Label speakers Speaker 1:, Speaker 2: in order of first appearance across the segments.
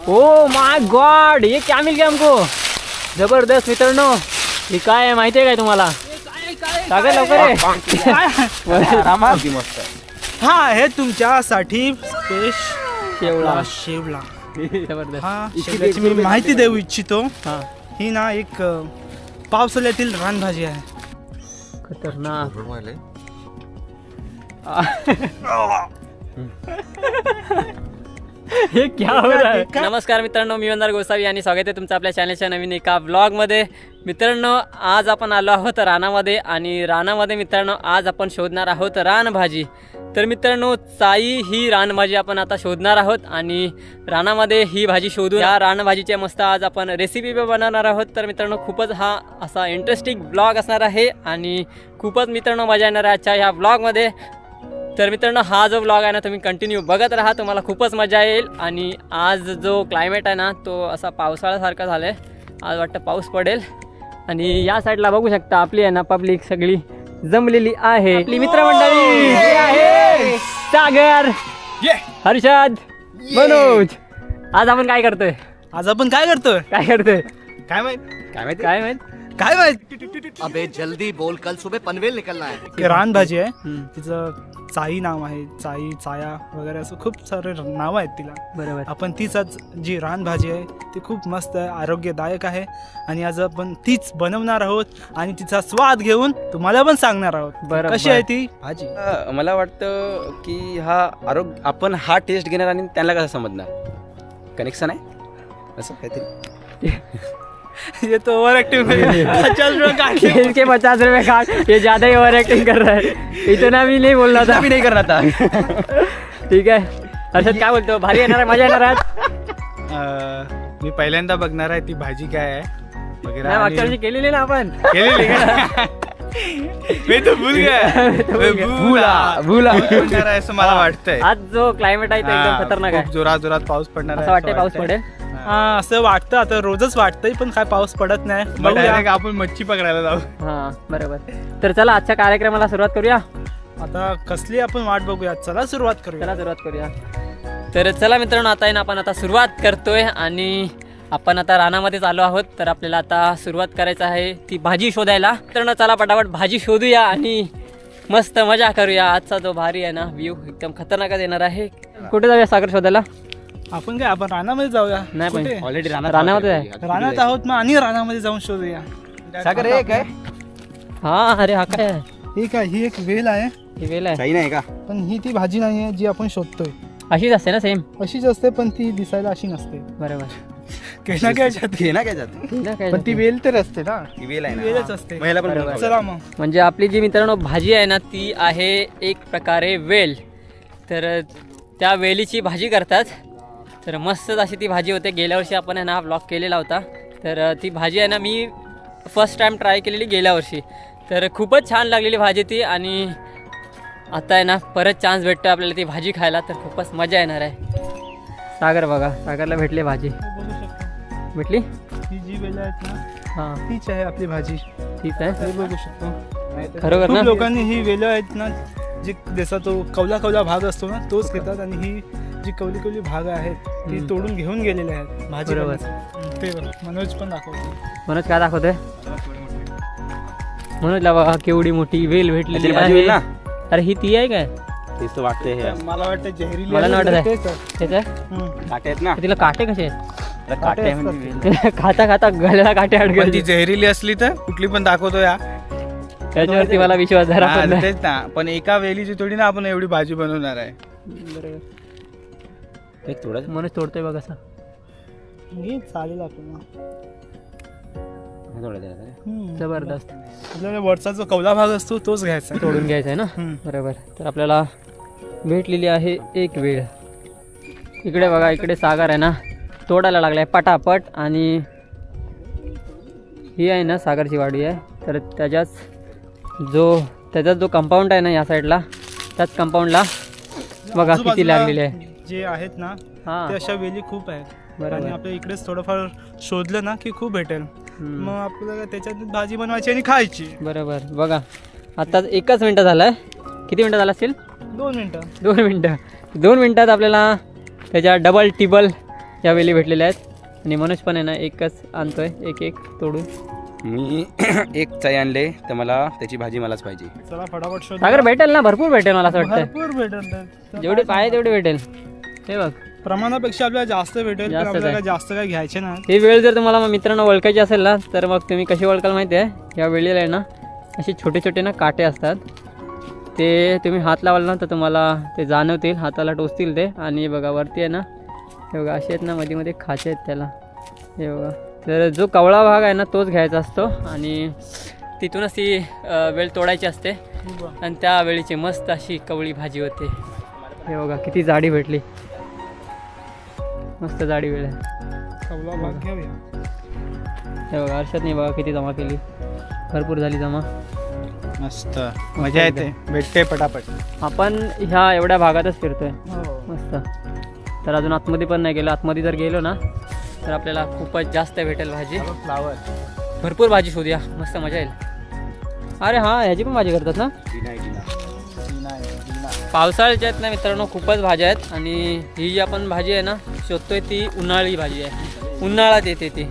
Speaker 1: Oh my God, ये क्या mill गया हमको. जबरदस्त मित्रांनो. हे काय आहे माहिती आहे काय तुम्हाला? सागर लवकर ये.
Speaker 2: हा हे तुमच्यासाठी
Speaker 1: शेवळा.
Speaker 2: शेवला.
Speaker 1: जबरदस्त.
Speaker 2: हा शेवल्याची मी माहिती देऊ इच्छितो.
Speaker 1: हा
Speaker 2: ही ना एक पावसाळ्यातील रानभाजी आहे.
Speaker 1: खतरनाक. हे क्या हो रहा है? नमस्कार मित्रांनो, मी वंदर गोसावी आणि स्वागत आहे तुमचं आपल्या चॅनलच्या नवीन एका ब्लॉगमध्ये. मित्रांनो, आज आपण आलो आहोत रानामध्ये आणि रानामध्ये मित्रांनो आज आपण शोधणार आहोत रानभाजी. तर मित्रांनो, चाई ही रानभाजी आपण आता शोधणार आहोत आणि रानामध्ये ही भाजी शोधू. या रानभाजीच्या मस्त आज आपण रेसिपी बनवणार आहोत. तर मित्रांनो, खूपच हा असा इंटरेस्टिंग ब्लॉग असणार आहे आणि खूपच मित्रांनो मजा येणार आहे आजच्या ह्या ब्लॉगमध्ये. तर मित्रांनो, हा जो ब्लॉग आहे ना तुम्ही कंटिन्यू बघत राहा, तुम्हाला खूपच मजा येईल. आणि आज जो क्लायमेट आहे ना तो असा पावसाळ्यासारखा झाला आहे. आज वाटतं पाऊस पडेल. आणि या साईडला बघू शकता आपली आहे ना पब्लिक सगळी जमलेली आहे. आपली मित्रमंडळी आहे. सागर, हर्षद, मनोज. आज आपण काय करतोय?
Speaker 2: काय माहित
Speaker 3: अबे जल्दी बोल, कल सुबह पनवेल निकलना है.
Speaker 2: रानभाजी आहे. तिचं चाई नाव आहे. चाई, चाया वगैरे असं खूप सारे नाव आहेत तिला.
Speaker 1: बरोबर.
Speaker 2: आपण तीच आज जी रानभाजी आहे ती खूप मस्त आहे, आरोग्यदायक आहे आणि आज आपण तीच बनवणार आहोत आणि तिचा स्वाद घेऊन तुम्हाला पण सांगणार आहोत.
Speaker 1: बरोबर.
Speaker 2: कशी आहे ती भाजी.
Speaker 4: मला वाटतं की आपण हा टेस्ट घेणार आणि त्यांना कसं समजणार कनेक्शन आहे असं काहीतरी.
Speaker 2: ये तो ओवर एक्टिंग
Speaker 1: इसके 50 रुपए काट. ये ज्यादा ही ओवर एक्टिंग कर रहा है. इतना भी नहीं बोल रहा था.
Speaker 4: मी नाही करणार आता.
Speaker 1: ठीक आहे. हर्षद काय बोलतो? भारी येणार आहे, मजा येणार आहे.
Speaker 2: मी पहिल्यांदा बघणार आहे ती भाजी काय आहे वगैरे.
Speaker 1: नाही, मागच्या वर्षी केलेली ना आपण.
Speaker 2: केलेली का? मी तो भूल गया. आहे असं मला वाटतंय.
Speaker 1: आज जो क्लायमेट आहे तो एकदम खतरनाक आहे.
Speaker 2: खूप जोरात पाऊस पडणार आहे
Speaker 1: असं वाटतंय पाऊस पडेल.
Speaker 2: हा असं वाटतं. आता रोजच वाटतंय पण काय पाऊस पडत नाही. बघूया आपण मच्छी पकडायला जाऊ.
Speaker 1: हा बरोबर. तर चला आजच्या कार्यक्रमाला सुरुवात करूया.
Speaker 2: आता कसली आपण वाट बघूया. चला सुरुवात करूया.
Speaker 1: तर चला मित्रांनो, आता आहे ना आपण आता सुरुवात करतोय आणि आपण आता रानामध्येच आलो आहोत. तर आपल्याला आता सुरुवात करायचं आहे ती भाजी शोधायला. मित्रांनो, चला पटापट भाजी शोधूया आणि मस्त मजा करूया. आजचा जो भारी आहे ना व्ह्यू एकदम खतरनाकच येणार आहे. कुठे जाऊया सागर शोधायला?
Speaker 2: आपण रानामध्ये जाऊया.
Speaker 1: नाही पण
Speaker 4: ऑलरेडी
Speaker 1: रानामध्ये आहे.
Speaker 2: रानात आहोत मग आणि रानामध्ये जाऊन शोधूया.
Speaker 4: सागर हे काय
Speaker 1: हा. अरे हा काय आहे?
Speaker 2: ही काय, ही एक वेल आहे.
Speaker 1: ही वेल आहे
Speaker 4: सही नाही का?
Speaker 2: पण ही ती भाजी नाही आहे जी आपण शोधतोय.
Speaker 1: अशीच असते ना सेम?
Speaker 2: अशीच असते पण ती दिसायला अशी नसते.
Speaker 1: बरोबर.
Speaker 4: घे ना काय जात
Speaker 2: पण ती वेल तर असते ना.
Speaker 4: ही वेल आहे ना.
Speaker 2: वेलच असते.
Speaker 4: महिला पण
Speaker 1: बरोबर.
Speaker 2: चला मग.
Speaker 1: म्हणजे आपली जी मित्रांनो भाजी आहे ना ती आहे एक प्रकारे वेल. तर त्या वेलीची भाजी करतात. तर मस्तच अशी ती भाजी होते. गेल्या वर्षी आपण आहे ना ब्लॉग केलेला होता. तर ती भाजी आहे ना मी फर्स्ट टाईम ट्राय केलेली गेल्या वर्षी. तर खूपच छान लागलेली भाजी ती. आणि आता आहे ना परत चान्स भेटतो आपल्याला ती भाजी खायला. तर खूपच मजा येणार आहे. सागर बघा, सागरला भेटली भाजी.
Speaker 2: बघू शकतो
Speaker 1: भेटली
Speaker 2: ही जी वेल आहेत ना
Speaker 1: हां
Speaker 2: तीच आहे आपली भाजी.
Speaker 1: ठीक आहे.
Speaker 2: हे बघू शकतो.
Speaker 1: खरोखर ना?
Speaker 2: खूप लोकांनी ही वेल आहेत ना जी जसा तो कवला भाग असतो ना तोच घेतात आणि ही जी कवली भाग आहेत ती तोडून घेऊन गेलेले आहेत भाजी.
Speaker 1: बरोबर.
Speaker 2: ते मनोज पण दाखवतो.
Speaker 1: मनोज काय दाखवतोय? मनोजला बघा केवढी मोठी वेल भेटलेली
Speaker 4: भाजी वेल
Speaker 1: आहे.
Speaker 4: ना?
Speaker 1: अरे ही ती आहे काय?
Speaker 4: तेच तर वाटतंय हे.
Speaker 2: मला वाटतं जहरीली
Speaker 1: मला नाही वाटत आहे.
Speaker 2: तेच आहे.
Speaker 1: तेच आहे?
Speaker 4: काटे आहेत ना?
Speaker 1: तिला काटे कसे आहेत?
Speaker 4: काटे आहे म्हणजे वेल.
Speaker 1: खाता खाता गळ्याला काटे
Speaker 2: पण ती
Speaker 1: अडकले.
Speaker 2: जहरीली असली तर कुठली पण दाखवतो या.
Speaker 1: त्याच्यावरती मला विश्वास जरा पण नाही.
Speaker 2: तेच ना. पण एका वेलीची थोडी ना आपण एवढी भाजी बनवणार आहे.
Speaker 4: एक थोडं
Speaker 1: मनोज तोडतोय बघ असं.
Speaker 2: चालेल आपल्याला.
Speaker 1: जबरदस्त.
Speaker 2: आपल्याला वरचा जो कवला भाग असतो तोच घ्यायचा.
Speaker 1: तोडून घ्यायचं आहे ना. बरोबर. तर आपल्याला भेटलेली आहे एक वेळ. इकडे बघा, इकडे सागर आहे ना तोडायला लागलाय पटापट. आणि ही आहे ना सागरची वाडी आहे. तर त्याचाच जो कंपाऊंड आहे ना या साईडला, त्याच कंपाऊंडला बघा किती लागलेली आहे.
Speaker 2: जे आहेत ना
Speaker 1: हां
Speaker 2: ते अशा वेली खूप आहेत.
Speaker 1: बरोबर.
Speaker 2: आणि आपल्या इकडेच थोडंफार शोधलं ना की खूप भेटेल. मग आपल्याला त्याच्यात भाजी बनवायची आणि खायची.
Speaker 1: बरोबर. बघा आता 1 मिनटं झालं. किती मिनटं झालं असतील?
Speaker 2: 2 मिनटं.
Speaker 1: 2 मिनटं. 2 मिनटात आपल्याला त्याच्या डबल टिबल या वेली भेटलेल्या आहेत आणि मनोज पण आहे ना एकच आणतोय एक एक तोडून.
Speaker 4: मी एक चाई आणले तर मला त्याची भाजी मलाच पाहिजे.
Speaker 2: चला फटाफट शोध.
Speaker 1: सागर भेटेल ना, भरपूर भेटेल मला असं वाटतं.
Speaker 2: भरपूर भेटेल,
Speaker 1: जेवढी पाहिजे तेवढी भेटेल. हे बघ
Speaker 2: प्रमाणापेक्षा आपल्याला जास्त भेटेल, पण
Speaker 1: जास्त
Speaker 2: आपल्याला
Speaker 1: काय?
Speaker 2: जास्त काय घ्यायचे ना.
Speaker 1: ही वेळ जर तुम्हाला मित्रांनो ओळखायची असेल ना, तर मग तुम्ही कशी ओळखाल माहिती आहे, या वेळेला आहे ना असे छोटे छोटे ना काटे असतात, ते तुम्ही हात लावाल ना तर तुम्हाला ते जाणवतील, हाताला टोचतील ते. आणि बघा वरती आहे ना, हे बघा असे आहेत ना, मध्ये मध्ये खाचे आहेत त्याला, हे बघा. तर जो कवळा भाग आहे ना तोच घ्यायचा असतो आणि तिथूनच ती वेळ तोडायची असते आणि त्या वेळीची मस्त अशी कवळी भाजी होते. हे बघा किती जाडी भेटली, मस्त जाडी वेळ आहे.
Speaker 2: कवला भाग घेऊया.
Speaker 1: हे बघा हर्षदने बघा किती जमा केली, भरपूर झाली जमा.
Speaker 2: मस्त मजा येते, भेटते पटापट.
Speaker 1: आपण ह्या एवढ्या भागातच फिरतोय
Speaker 2: हो.
Speaker 1: मस्त. तर अजून आतमध्ये पण नाही गेलो, आतमध्ये जर गेलो ना तर आपल्याला खूपच जास्त भेटेल भाजी.
Speaker 2: फ्लावर
Speaker 1: भरपूर भाजी शोधूया, मस्त मजा येईल. अरे हां ह्याची पण भाजी करतात ना पावसाळ्याच्या आहेत ना मित्रांनो, खूपच भाज्या आहेत. आणि ही जी आपण भाजी आहे ना शोधतोय ती उन्हाळी भाजी आहे, उन्हाळ्यात येते ती.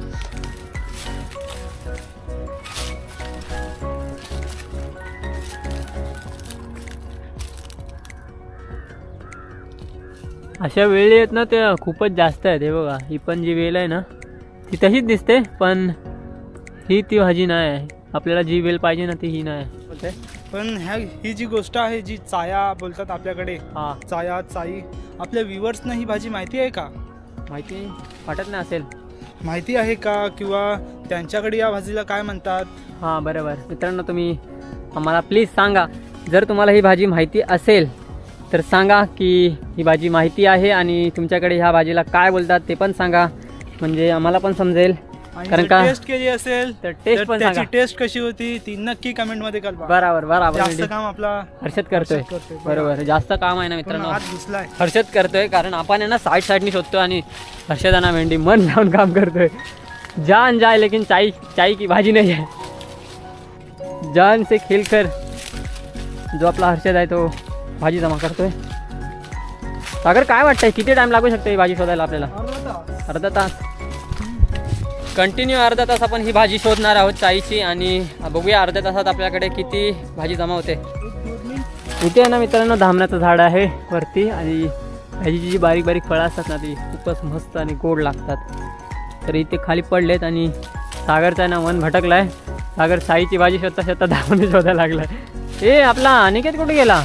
Speaker 1: अशा वेळी आहेत ना त्या खूपच जास्त आहेत. हे बघा ही पण जी वेल आहे ना ती तशीच दिसते, पण ही ती भाजी नाही आहे. आपल्याला जी वेल पाहिजे ना ती ही नाही आहे.
Speaker 2: पण ही जी गोष्ट आहे, जी चाया बोलतात आपल्याकडे,
Speaker 1: हां
Speaker 2: चाया चाई, आपल्या व्ह्युअर्सना ही भाजी माहिती आहे का?
Speaker 1: माहिती वाटत नाही असेल.
Speaker 2: माहिती आहे का? किंवा त्यांच्याकडे या भाजीला काय म्हणतात?
Speaker 1: हां बरोबर मित्रांनो, तुम्ही आम्हाला प्लीज सांगा, जर तुम्हाला ही भाजी माहिती असेल तर सांगा की ही भाजी माहिती आहे आणि तुमच्याकडे ह्या भाजीला काय बोलतात ते पण सांगा, म्हणजे आम्हाला पण समजेल. कारण का
Speaker 2: टेस्ट केली असेल
Speaker 1: तर टेस्ट पण
Speaker 2: त्याची
Speaker 1: सांगा.
Speaker 2: टेस्ट कशी होती ती नक्की कमेंट मध्ये कळवा.
Speaker 1: बरोबर बरोबर,
Speaker 2: जास्त काम आपला
Speaker 1: हर्षद करतोय. बरोबर, जास्त काम आहे ना मित्रांनो,
Speaker 2: हात घुसलाय.
Speaker 1: हर्षद करतोय. कारण आपण आहे ना साईडनी शोधतो आणि हर्षदाना भेंडी मन लावून काम करतोय. जान जाए लेकिन चाय चाय की भाजी नाही आहे. जान से खेलकर जो आपला हर्षद आहे तो भाजी जमा करतोय. सागर काय वाटतंय किती टाइम लागू शकतो ही भाजी शोधायला आपल्याला? अर्धा तास. कंटिन्यू अर्धा तास आपण ही भाजी शोधणार आहोत चाईची, आणि बघूया अर्ध्या तासात आपल्याकडे किती भाजी जमा होते. इथे आहे ना मित्रांनो धामण्याचं झाड आहे वरती, आणि ह्याची जी बारीक बारीक फळं असतात ना ती खूपच मस्त आणि गोड लागतात. तर इथे खाली पडलेत आणि सागरचा आहे ना मन भटकलाय. सागर चाईची भाजी शोधता शोधता धामणे शोधायला लागलाय. ए आपला अनिकेत कुठे गेला?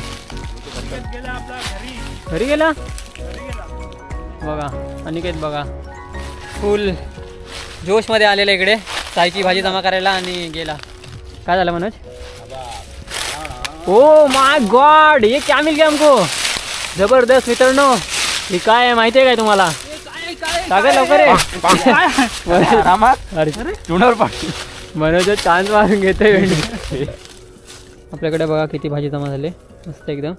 Speaker 1: घरी गेला बघा. अनिकेत बघा फुल जोशमध्ये आलेला इकडे चायची भाजी जमा करायला आणि गेला. काय झालं मनोज? ओ माय गॉड, ये क्या मिल गया हमको. जबरदस्त मित्रांनो, हे काय आहे माहिती आहे काय तुम्हाला? सागर लवकर आहे. मनोज चांद मारून घेतोय. आपल्याकडे बघा किती भाजी जमा झाली, मस्त एकदम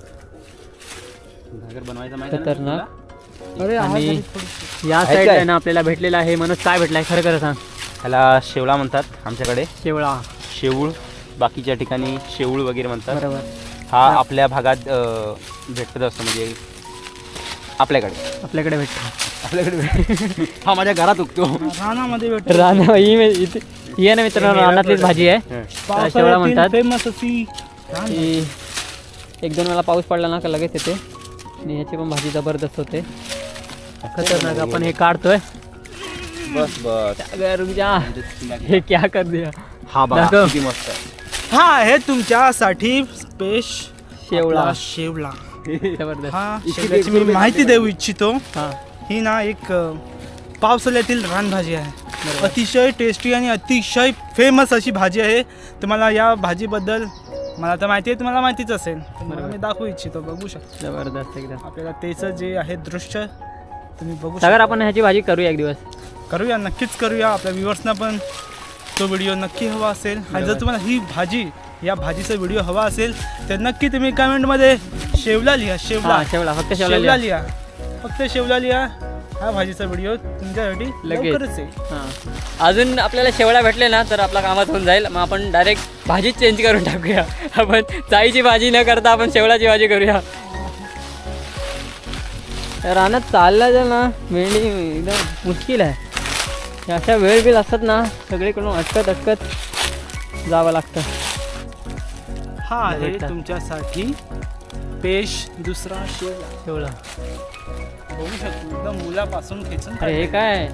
Speaker 1: खतरनाक. आणि या साईड आहे ना आपल्याला भेटलेला आहे. मनोज काय भेटलाय खरं खरं सांग.
Speaker 4: ह्याला शेवळा म्हणतात आमच्याकडे,
Speaker 1: शेवळा.
Speaker 4: शेवूळ, बाकीच्या ठिकाणी शेवूळ वगैरे म्हणतात.
Speaker 1: बरोबर.
Speaker 4: हा आपल्या भागात भेटत असतो, म्हणजे आपल्याकडे भेटतो. हा माझ्या घरात उगतो.
Speaker 2: रानामध्ये भेटतो.
Speaker 1: राणा ही आहे ना मित्रांनो रानातलीच भाजी आहे, शेवळा म्हणतात.
Speaker 2: फेमस अशी
Speaker 1: ही एक दोन वेळा पाऊस पडला ना का लगेच येते, आणि ह्याची पण भाजी जबरदस्त होते, खतरनाक. आपण हे काढतोय.
Speaker 4: बस बस,
Speaker 1: अगर रुक जा, हे क्या कर दिया.
Speaker 4: हा बघा
Speaker 1: दाखव.
Speaker 4: किती मस्त आहे.
Speaker 2: हा आहे तुमच्यासाठी
Speaker 1: शेवळा.
Speaker 2: शेवळा.
Speaker 1: जबरदस्त.
Speaker 2: हा शेवळ्याची मी माहिती देऊ इच्छितो.
Speaker 1: हां
Speaker 2: ही ना एक पावसाळ्यातील रानभाजी आहे. अतिशय टेस्टी आणि अतिशय फेमस अशी भाजी आहे. तुम्हाला या भाजीबद्दल मला तर माहिती आहे, तुम्हाला माहितीच असेल. तुम्हाला मी दाखवू इच्छितो, बघू शकतो.
Speaker 1: जबरदस्त एकदम.
Speaker 2: आपल्याला त्याचं जे आहे दृश्य तुम्ही बघू
Speaker 1: सागर आपण ह्याची भाजी करूया एक दिवस.
Speaker 2: करूया, नक्कीच करूया. आपल्या व्ह्युअर्सना पण तो व्हिडिओ नक्की हवा असेल. आणि जर तुम्हाला ही भाजी, या भाजीचा व्हिडिओ हवा असेल तर नक्की तुम्ही कमेंटमध्ये शेवला लिहा. शेवला,
Speaker 1: शेवळा, फक्त
Speaker 2: शेवला लिहा, फक्त शेवला लिहा. हा भाजीचा व्हिडिओ तुमच्यासाठी
Speaker 1: लगेच.
Speaker 2: लवकरच आहे.
Speaker 1: हां अजून आपल्याला शेवळा भेटले ना तर आपला कामात होऊन जाईल. मग आपण डायरेक्ट भाजीच चेंज करून टाकूया. आपण चाईची भाजी न करता आपण शेवळाची भाजी करूया. रानात चालला जर ना मेंढी एकदम मुश्किल आहे. अशा वेळ बिल असतात ना सगळीकडून अटकत जावं लागतं.
Speaker 2: हा आहे
Speaker 1: भेटतात.
Speaker 2: तुमच्यासाठी पेश दुसरा शेवला.
Speaker 1: शेवला.
Speaker 2: बघू शकतो एकदम मुलापासून खेचून
Speaker 1: अरे हे काय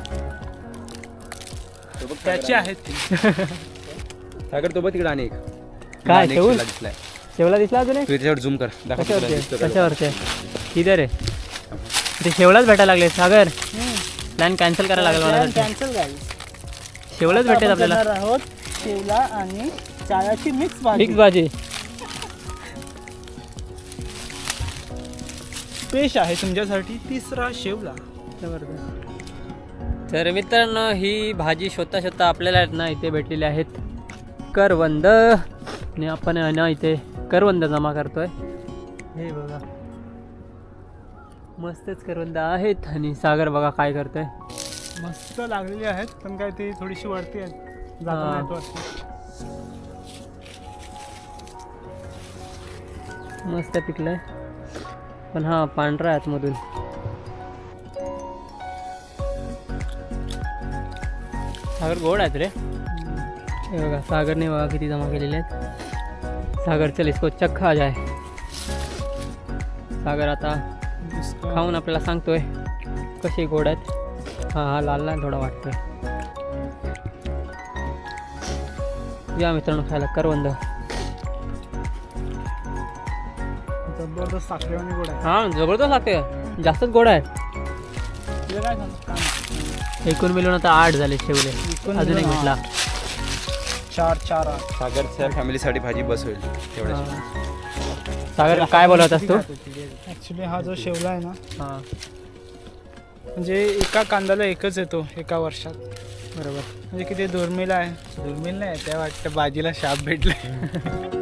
Speaker 2: त्याचे आहेत ते.
Speaker 4: सागर तो बघ तिकडे आणि एक
Speaker 1: काय
Speaker 4: अनेक
Speaker 1: शेवल
Speaker 4: शेवला दिसलाय.
Speaker 1: शेवला दिसला अजून एक?
Speaker 4: तू त्याच्यावर झूम कर दाखव तुला
Speaker 1: कशावरती
Speaker 4: दिसतो का?
Speaker 1: कशावरती किधर आहे ते? शेवलाच भेटायला लागले सागर. प्लॅन कॅन्सल करायला लागला मला.
Speaker 2: कॅन्सल गाईस.
Speaker 1: शेवलाच भेटेल आपल्याला.
Speaker 2: आहोत शेवला आणि चायाची मिक्स
Speaker 1: मिक्स भाजी.
Speaker 2: पेश आहे तुमच्यासाठी तिसरा शेवला.
Speaker 1: तर मित्रांनो ही भाजी शोधता आपल्याला आहेत ना इथे भेटलेली आहेत करवंद. आणि आपण आहे ना इथे करवंद जमा करतोय. हे बघा मस्तच करवंद आहेत. आणि सागर बघा काय करतोय.
Speaker 2: मस्त लागलेली आहेत पण काय ती थोडीशी वरती आहेत.
Speaker 1: हा.
Speaker 2: जाताना येतो वाटतं.
Speaker 1: मस्त पिकलंय पण हा पांढरा आहे आतमधून. सागर गोड आहेत रे. हे बघा सागरने बघा किती जमा केलेले आहेत. सागर चल इसको चक्खा जाय. सागर आता खाऊन आपल्याला सांगतोय कसे गोड आहेत. हा लाल लाल थोडा वाटतोय. या मित्रांनो खायला करवंद.
Speaker 2: जबरदस्त साखरेवाणी गोड आहे.
Speaker 1: हा जबरदस्त लागते. जास्तच गोड आहे.
Speaker 2: तुला काय सांगतो?
Speaker 1: एकूण मिळून आता 8 झाले शेवले.
Speaker 2: एकूण
Speaker 1: अजून एक
Speaker 2: मिळून
Speaker 1: भेटला.
Speaker 2: 4 8.
Speaker 4: सागरच्या फॅमिलीसाठी भाजी बस होईल तेवढ्या.
Speaker 1: सागर काय बोलत असतो?
Speaker 2: ऍक्च्युली हा जो शेवला आहे ना
Speaker 1: हा
Speaker 2: म्हणजे एका कांद्याला एकच येतो एका वर्षात.
Speaker 1: बरोबर.
Speaker 2: म्हणजे किती दुर्मिळ आहे. दुर्मिळ नाही त्या वाटतं भाजीला शाप भेटलाय.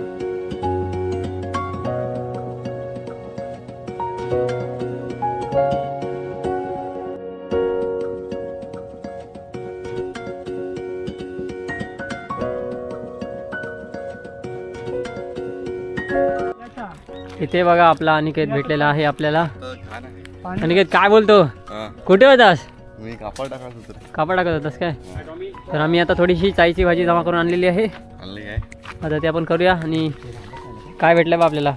Speaker 1: इथे बघा आपला अनिकेत भेटलेला आहे आपल्याला.
Speaker 2: पाणी
Speaker 1: अनिकेत काय बोलतो? कुठे होतास?
Speaker 5: मी कापड टाकत होतो रे.
Speaker 1: कापड टाकत होतास काय? तर आम्ही आता थोडीशी चाईची भाजी जमा करून आणलेली आहे.
Speaker 5: आणली काय?
Speaker 1: आता ते आपण करूया. आणि काय भेटलं बा आपल्याला?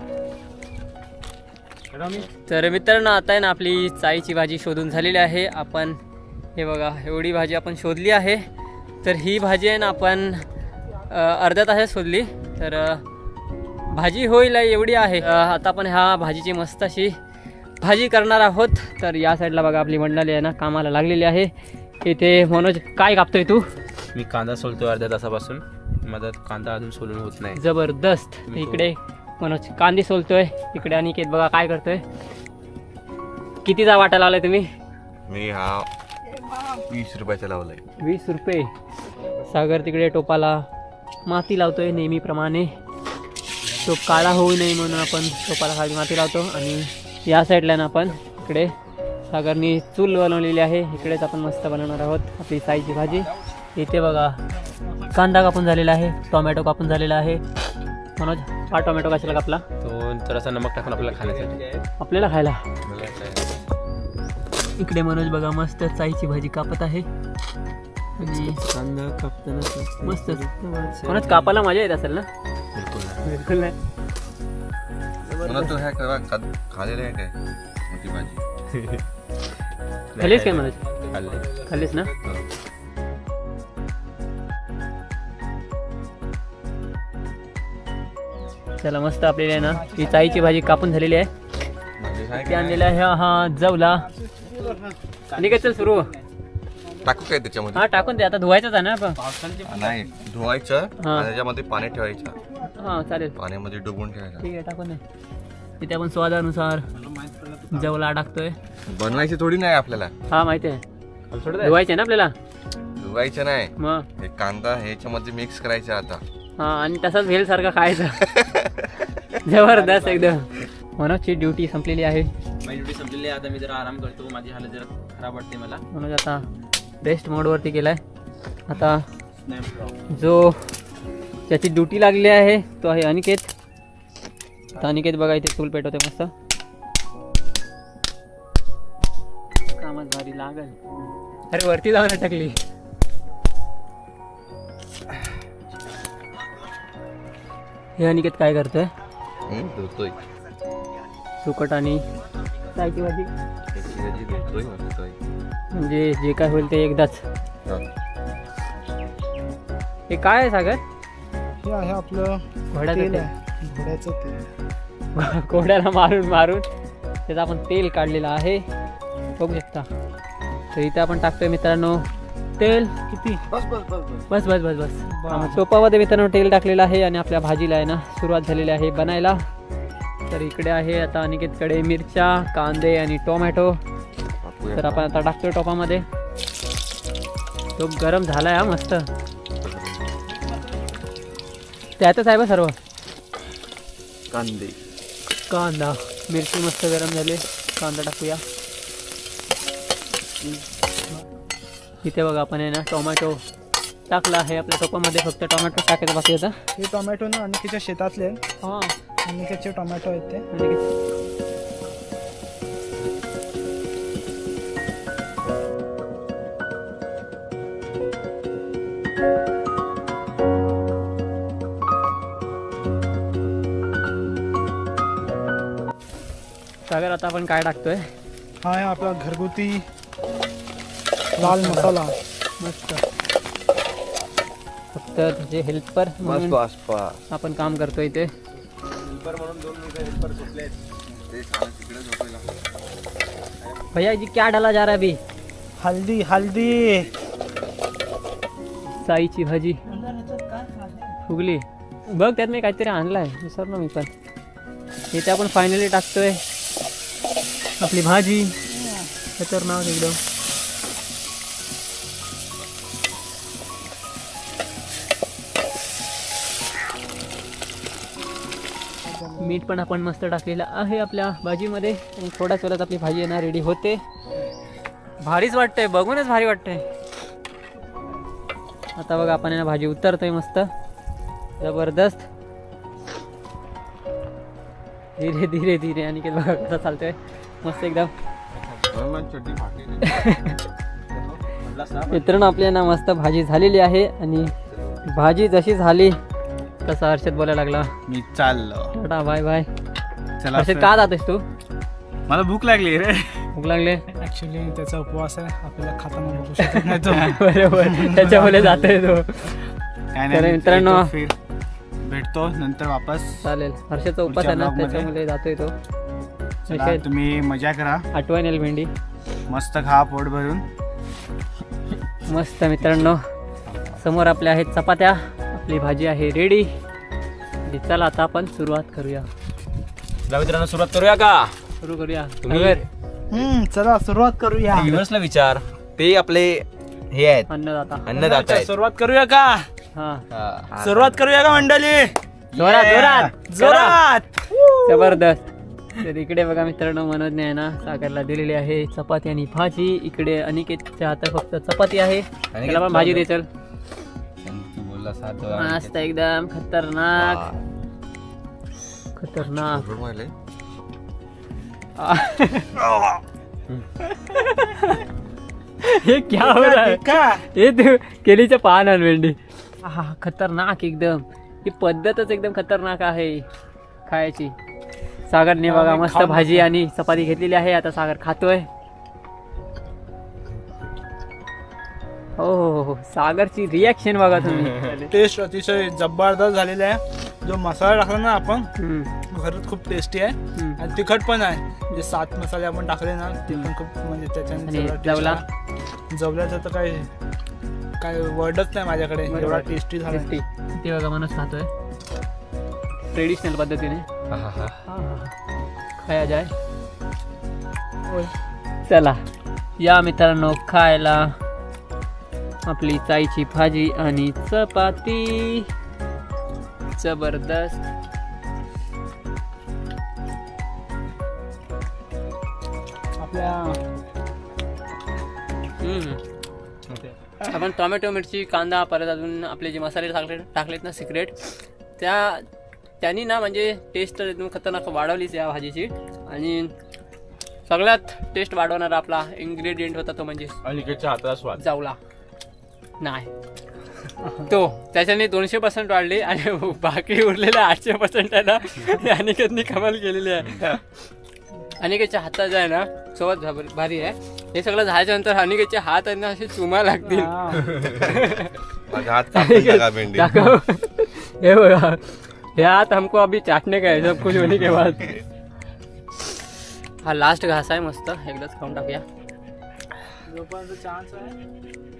Speaker 1: तर मित्रांनो आता आहे ना आपली चाईची भाजी शोधून झालेली आहे. आपण हे बघा एवढी भाजी आपण शोधली आहे. तर ही भाजी आहे ना आपण अर्ध्या तासात शोधली. तर भाजी होईल एवढी आहे. आता आपण ह्या भाजीची मस्त अशी भाजी करणार आहोत. तर या साईडला बघा आपली मंडळी आहे ना कामाला लागलेली आहे. इथे मनोज काय कापतोय तू?
Speaker 4: मी कांदा सोलतोय अर्ध्या तासापासून. माझा कांदा अजून सोलून होत नाही.
Speaker 1: जबरदस्त. इकडे मनोज कांदे सोलतोय. इकडे अनिकेत बघा काय करतोय. कितीचा वाटा लावलाय तुम्ही?
Speaker 5: मी हा 20 रुपयाचा लावलाय.
Speaker 1: 20 रुपये. सागर तिकडे टोपाला माती लावतोय नेहमीप्रमाणे. तो काळा होऊ नये म्हणून आपण टोपाला खाली माती लावतो. आणि या साईडला ना आपण इकडे सागरनी चूल बनवलेली आहे. इकडेच आपण मस्त बनवणार आहोत आपली चाईची भाजी. इथे बघा कांदा कापून झालेला आहे. टोमॅटो कापून झालेला आहे. मनोज हा टोमॅटो कशाला कापला?
Speaker 4: तो जरासा नमक टाकून आपल्याला खाण्यासाठी.
Speaker 1: आपल्याला खायला.
Speaker 4: मला काय
Speaker 1: इकडे मनोज बघा मस्त चाईची भाजी कापत आहे. आणि
Speaker 4: कांदा कापताना
Speaker 1: मस्त मनोज कापायला मजा येत असेल ना?
Speaker 4: बिलकुल नाही.
Speaker 1: बिलकुल नाही.
Speaker 5: मला तो ह्या खालेला आहे काय मोठी भाजी.
Speaker 1: खालीच काय मनोज?
Speaker 4: खाल्ले.
Speaker 1: खालीच ना? चला मस्त आपल्याला आहे ना ही चाईची भाजी कापून झालेली आहे.
Speaker 5: म्हणजे काय
Speaker 1: ती आणलेला आहे हा जवला. आणि काय चल सुरू.
Speaker 5: टाकू काय त्याच्यामध्ये?
Speaker 1: हा टाकून दे. आता धुवायचंच आहे ना आपण.
Speaker 5: नाही धुवायचं
Speaker 1: हा.
Speaker 5: आणि त्याच्यामध्ये पाणी ठेवायचं.
Speaker 1: हा चालेल.
Speaker 5: पाण्यामध्ये डुबून ठेवायचं.
Speaker 1: ठीक आहे टाकून दे. इथे आपण स्वादानुसार जवला टाकतोय.
Speaker 5: बनवायची थोडी नाही आपल्याला.
Speaker 1: हा माहिती आहे. धुवायचे ना आपल्याला.
Speaker 5: धुवायचं नाही.
Speaker 1: मग
Speaker 5: हे कांदा ह्याच्यामध्ये मिक्स करायचा आता.
Speaker 1: हा आणि तसाच भेल सारखा खायचं. जबरदस्त एकदम. मनोजची ड्युटी संपलेली आहे.
Speaker 4: माझी ड्युटी संपलेली आहे. आता मी जरा आराम करतो. माझी हालत जरा खराब वाटते मला.
Speaker 1: मनोज आता रेस्ट मोडवरती गेलाय. आता जो ज्याची ड्युटी लागली आहे तो आहे अनिकेत. तर अनिकेत बघा इथे चूल पेटवते मस्त. अरे वरती जाऊन अटकली. हे अनिकेत काय करतोय?
Speaker 5: धुतोय
Speaker 1: सुकट आणि चायची भाजी.
Speaker 5: त्याची भाजी धुतोय मस्तोय.
Speaker 1: म्हणजे जे काय होईल ते एकदाच.
Speaker 5: हा.
Speaker 1: हे काय आहे सागर?
Speaker 2: हे आहे आपलं
Speaker 1: घोड्याचं
Speaker 2: तेल
Speaker 1: तेल.
Speaker 2: आहे, घोड्याचं तेल.
Speaker 1: घोड्याला मारून मारून त्याचं आपण तेल काढलेलं आहे, बघू शकता. तर इथे आपण टाकतोय मित्रांनो तेल.
Speaker 2: किती?
Speaker 5: बस बस बस बस.
Speaker 1: बस बस बस बस. टोपामध्ये मित्रांनो तेल टाकलेलं आहे आणि आपल्या भाजीला आहे ना सुरुवात झालेली आहे बनायला. तर इकडे आहे आता अनिकेतकडे मिरच्या, कांदे आणि टोमॅटो.
Speaker 5: टाकूया.
Speaker 1: तर आपण आता टाकतोय टोपामध्ये. तो गरम झालाय हा मस्त. त्यातच आहे बा सर्व.
Speaker 5: कांदे
Speaker 1: कांदा, मिरची मस्त गरम झाली. कांदा टाकूया. इथे बघा आपण आहे ना टोमॅटो टाकला आहे आपल्या टोपामध्ये. फक्त टोमॅटो टाकायचं बाकी होता.
Speaker 2: हे टोमॅटो ना अनिकेतच्या शेतातले आहे.
Speaker 1: हां
Speaker 2: अनिकेतचे टोमॅटो आहेत ते.
Speaker 1: सागर आता आपण काय टाकतोय?
Speaker 2: हा आहे आपला घरगुती लाल मसाला.
Speaker 1: मस्त. फक्त त्याचे हेल्पर
Speaker 5: बस
Speaker 1: म्हणून
Speaker 5: बस बस.
Speaker 1: आपण काम करतोय इथे.
Speaker 5: ते छान तिकडे झोपायला.
Speaker 1: भैया जी क्या डाला जा रहा है अभी?
Speaker 2: हल्दी हल्दी.
Speaker 1: साईची भाजी फुगली बघ. त्यात मी काहीतरी आणलाय विसरलो मी पण. इथे आपण फायनली टाकतोय आपली भाजी. खतरनाक एकदम. मीठ पण आपण मस्त टाकलेलं आहे आपल्या भाजीमध्ये. आणि थोड्याच वेळात आपली भाजी येणार रेडी होते. भारीच वाटतंय, बघूनच भारी वाटतंय. आता बघा आपण ना भाजी उतरतोय मस्त जबरदस्त. धीरे धीरे धीरे. आणि बघा कसा चालतोय मस्त एकदम.
Speaker 5: चटणी फाटली.
Speaker 1: मित्रांनो आपली ना मस्त भाजी झालेली आहे. आणि भाजी जशी झाली तसा हर्षद बोलायला लागला
Speaker 2: मी चाललो.
Speaker 1: Tata bye bye.
Speaker 2: चला
Speaker 1: हर्षद का जातोस तू?
Speaker 2: मला भूक लागली रे.
Speaker 1: भूक लागले?
Speaker 2: ऍक्च्युली त्याचा उपवास आहे. आपल्याला खाताना बघू शकत नाही तो.
Speaker 1: बरोबर त्याच्यामुळे जातोय तो.
Speaker 2: काय
Speaker 1: तर
Speaker 2: नाही,
Speaker 1: मित्रांनो
Speaker 2: येतो फिर. भेटतो नंतर वापस.
Speaker 1: चालेल. हर्षदचा उपास आहे ना
Speaker 2: पुढच्या vlog
Speaker 1: त्याच्यामुळे जातोय तो.
Speaker 2: चला,
Speaker 1: विषय
Speaker 2: तुम्ही मजा करा.
Speaker 1: आठवण येईल भेंडी.
Speaker 2: मस्त खा पोट भरून.
Speaker 1: मस्त मित्रांनो समोर आपल्या आहेत चपात्या. आपली भाजी आहे रेडी. चला आता आपण सुरुवात करूया.
Speaker 4: मित्रांनो सुरुवात करूया का?
Speaker 1: सुरू करूया.
Speaker 4: तुम्ही
Speaker 2: चला सुरुवात करूया.
Speaker 4: व्ह्युअर्सला विचार. ते आपले हे आहेत
Speaker 1: अन्नदाता.
Speaker 4: अन्नदाता आहेत.
Speaker 2: सुरुवात करूया का?
Speaker 1: हा
Speaker 4: हा.
Speaker 2: सुरुवात करूया का मंडळी?
Speaker 1: जोरात जोरात
Speaker 2: जोरात.
Speaker 1: जबरदस्त. तर इकडे बघा मित्रांनो मनोजने आहे ना सागरला दिलेली आहे चपाती आणि भाजी. इकडे अनिकेतच्या हातात फक्त चपाती आहे. त्याला पण भाजी दे चल.
Speaker 5: तू बोलला सात
Speaker 1: मस्त एकदम खतरनाक खतरनाक. हे क्या हो रहा है?
Speaker 2: का?
Speaker 1: हे तू केलीच्या पान आण भेंडी. हा खतरनाक एकदम. ही पद्धतच एकदम खतरनाक आहे खायची. सागरने बघा मस्त भाजी आणि चपाती घेतलेली आहे. आता सागर खातोय. हो सागरची रिॲक्शन बघा तुम्ही.
Speaker 2: टेस्ट अतिशय जबरदस्त झालेला आहे. जो मसाला टाकला ना आपण
Speaker 1: हम्म,
Speaker 2: खरंच खूप टेस्टी आहे.
Speaker 1: हम्म.
Speaker 2: आणि तिखट पण आहे. म्हणजे 7 मसाले आपण टाकले ना ते पण खूप म्हणजे त्याच्याने
Speaker 1: आणि
Speaker 2: सगळं taste
Speaker 1: जवला?
Speaker 2: आला. जवल्याचं तर काय वर्डच नाही माझ्याकडे.
Speaker 1: बरोबर.
Speaker 2: एवढा टेस्टी झाला.
Speaker 1: टेस्टी. ते बघा मनोज खातोय ट्रेडिशनल पद्धतीने. खाया जाय. चला या मित्रांनो खायला आपली चाईची भाजी आणि चपाती. जबरदस्त.
Speaker 2: आपल्या
Speaker 1: आपण टोमॅटो मिरची कांदा परत अजून आपले जे मसाले टाकलेत ना सिक्रेट त्यांनी ना म्हणजे टेस्ट एकदम खतरनाक वाढवलीच या भाजीची. आणि सगळ्यात टेस्ट वाढवणारा आपला इन्ग्रेडियंट होता तो म्हणजे
Speaker 4: अलीकडच्या हाताला स्वाद.
Speaker 1: जावला नाही तो त्याच्याने 200% वाढली आणि बाकी उरलेल्या 800% आहे ना अनिकेतनी कमाल केलेली आहे. अनिकेतच्या हातात जे आहे ना सोबत भारी आहे. हे सगळं झाल्याच्या नंतर अनिकेतचे हात आहे ना असे चुमा लागतील.
Speaker 5: माझा हात कापून टाका भेंडी.
Speaker 1: दाखव. हे बघा हे हात हमको अभी चाटने का है सब कुछ होने के बाद. हा लास्ट घास आहे मस्त एकदाच खाऊन टाकूया.
Speaker 2: चान्स आहे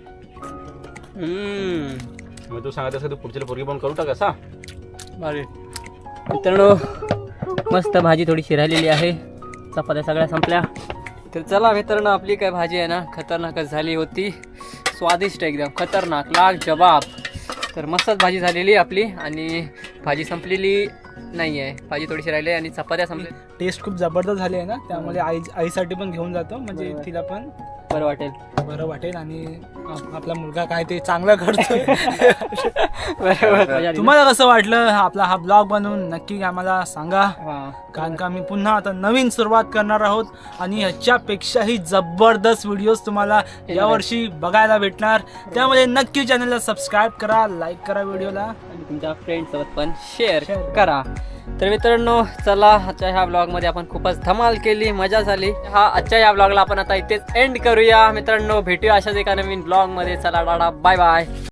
Speaker 4: मग तू सांगत असं तू पुढच्या पोरगी पण करू टाका.
Speaker 1: भारी मित्रांनो मस्त भाजी थोडी शिरायलेली आहे. चपात्या सगळ्या संपल्या. तर चला मित्रांनो आपली काय भाजी आहे ना खतरनाकच झाली होती. स्वादिष्ट एकदम खतरनाक लाख जबाब. तर मस्तच भाजी झालेली आपली आणि भाजी संपलेली नाही आहे. भाजी थोडीशी राहिली आणि चपात्या संपल्या.
Speaker 2: टेस्ट खूप जबरदस्त झाली आहे ना त्यामुळे आईसाठी पण घेऊन जातो म्हणजे तिला पण
Speaker 1: बरं वाटेल.
Speaker 2: बरं वाटेल आणि आपला मुलगा काय ते चांगलं करतोय.
Speaker 1: बरोबर.
Speaker 2: तुम्हाला कसं वाटलं आपला हा ब्लॉग बनवून नक्की आम्हाला सांगा.
Speaker 1: हां
Speaker 2: कारण का आम्ही पुन्हा आता नवीन सुरुवात करणार आहोत आणि ह्याच्यापेक्षाही जबरदस्त व्हिडिओज तुम्हाला यावर्षी बघायला भेटणार. त्यामुळे नक्की चॅनलला सबस्क्राईब करा, लाईक करा व्हिडिओला
Speaker 1: आणि तुमच्या फ्रेंड्ससोबत पण शेअर करा. तर मित्रांनो चला आजच्या ह्या ब्लॉगमध्ये आपण खूपच धमाल केली, मजा झाली. आजच्या ह्या ब्लॉगला आपण आता इथेच एंड करूया मित्रांनो. भेटूया अशाच एका नवीन ब्लॉगमध्ये. चला टाटा बाय बाय.